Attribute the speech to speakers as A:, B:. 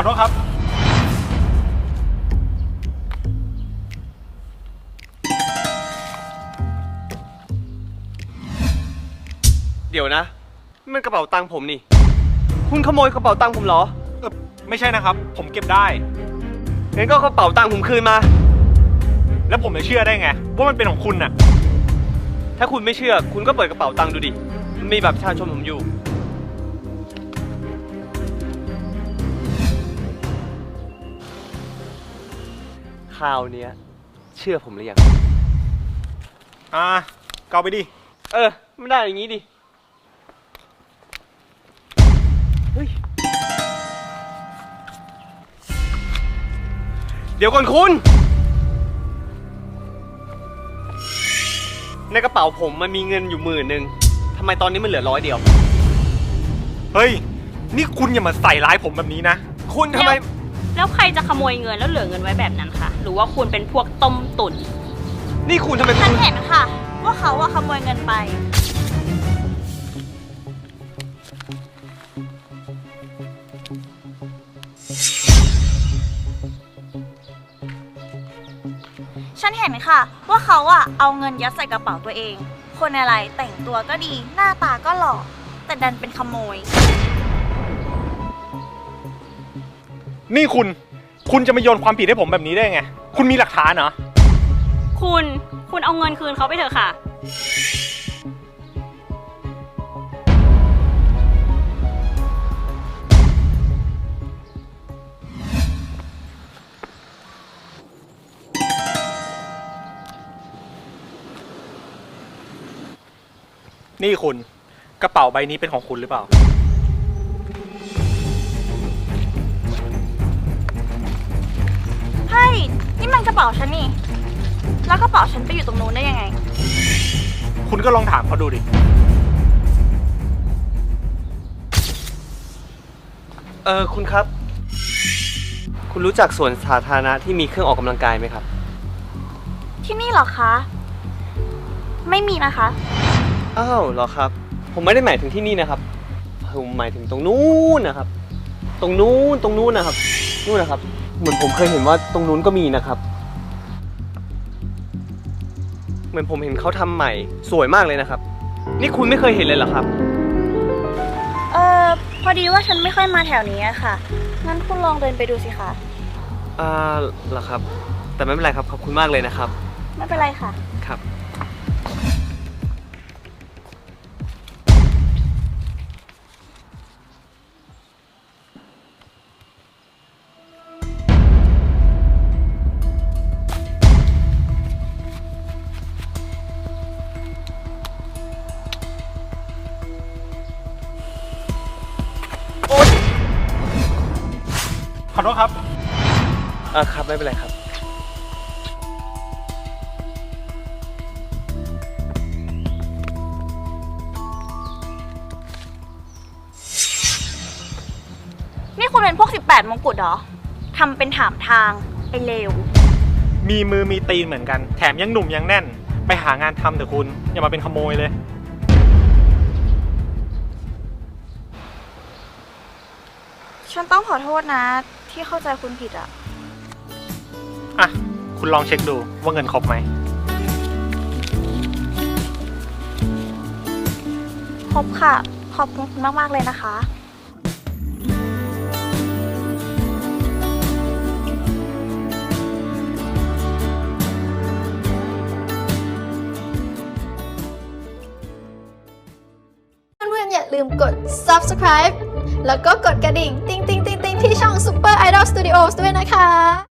A: อโทษครับ
B: เดี๋ยวนะมันกระเป๋าตังค์ผมนี่คุณขโมยกระเป๋าตังค์ผมเหรอ
A: ไม่ใช่นะครับผมเก็บได้
B: งั้นก็กระเป๋าตังค์ผมคืนมา
A: แล้วผมจะเชื่อได้ไงว่ามันเป็นของคุณน่ะ
B: ถ้าคุณไม่เชื่อคุณก็เปิดกระเป๋าตังค์ดูดิมันมีบัตรประชาชนผมอยู่คราวเนี้ยเชื่อผมหรือยัง
A: เกาไปดิ
B: ไม่ได้อย่างงี้ดิเฮ้ยเดี๋ยวก่อนคุณในกระเป๋าผมมันมีเงินอยู่10,000ทำไมตอนนี้มันเหลือ100เดียว
A: เฮ้ยนี่คุณอย่ามาใส่ร้ายผมแบบนี้นะ
B: คุณทำไม
C: แล้วใครจะขโมยเงินแล้วเหลือเงินไว้แบบนั้นคะหรือว่าคุณเป็นพวกต้มตุ๋น
B: นี่คุณทำไม
D: ฉันเห็นค่ะว่าเขาขโมยเงินไปฉันเห็นค่ะว่าเขาเอาเงินยัดใส่กระเป๋าตัวเองคนอะไรแต่งตัวก็ดีหน้าตาก็หล่อแต่ดันเป็นขโมย
A: นี่คุณจะมาโยนความผิดให้ผมแบบนี้ได้ไงคุณมีหลักฐานเหรอ
C: คุณเอาเงินคืนเขาไปเถอะค่ะ
A: นี่คุณกระเป๋าใบนี้เป็นของคุณหรือเปล่า
D: เฮ้ยนี่มันกระเป๋าฉันนี่แล้วกระเป๋าฉันไปอยู่ตรงนู้นได้ยังไง
A: คุณก็ลองถามเขาดูดิ
B: คุณครับคุณรู้จักสวนสาธารณะที่มีเครื่องออกกำลังกายไหมครับ
D: ที่นี่เหรอคะไม่มีนะคะ
B: อ้าวเหรอครับผมไม่ได้หมายถึงที่นี่นะครับผมหมายถึงตรงนู้นนะครับตรงนู้นนะครับนู่นนะครับเหมือนผมเคยเห็นว่าตรงนู้นก็มีนะครับเหมือนผมเห็นเขาทำใหม่สวยมากเลยนะครับนี่คุณไม่เคยเห็นเลยเหรอครับ
D: พอดีว่าฉันไม่ค่อยมาแถวนี้ค่ะงั้นคุณลองเดินไปดูสิคะ
B: เหรอครับแต่ไม่เป็นไรครับขอบคุณมากเลยนะครับ
D: ไม่เป็นไรค่ะ
B: ครับ
A: ขอโทษครับ
B: ครับไม่เป็นไรครับ
D: นี่คุณเป็นพวก18มงกุฎเหรอทำเป็นถามทางไอ้เลว
A: มีมือมีตีนเหมือนกันแถมยังหนุ่มยังแน่นไปหางานทำเถอะคุณอย่ามาเป็นขโมยเลย
D: ฉันต้องขอโทษนะที่เข้าใจคุณผิด
A: คุณลองเช็คดูว่าเงินครบไหม
D: ครบค่ะขอบคุณมากๆเลยนะคะ
E: เพื่อนๆอย่าลืมกด subscribe แล้วก็กดกระดิ่งติ๊งๆๆๆที่ช่อง Super Idol Studios ด้วยนะคะ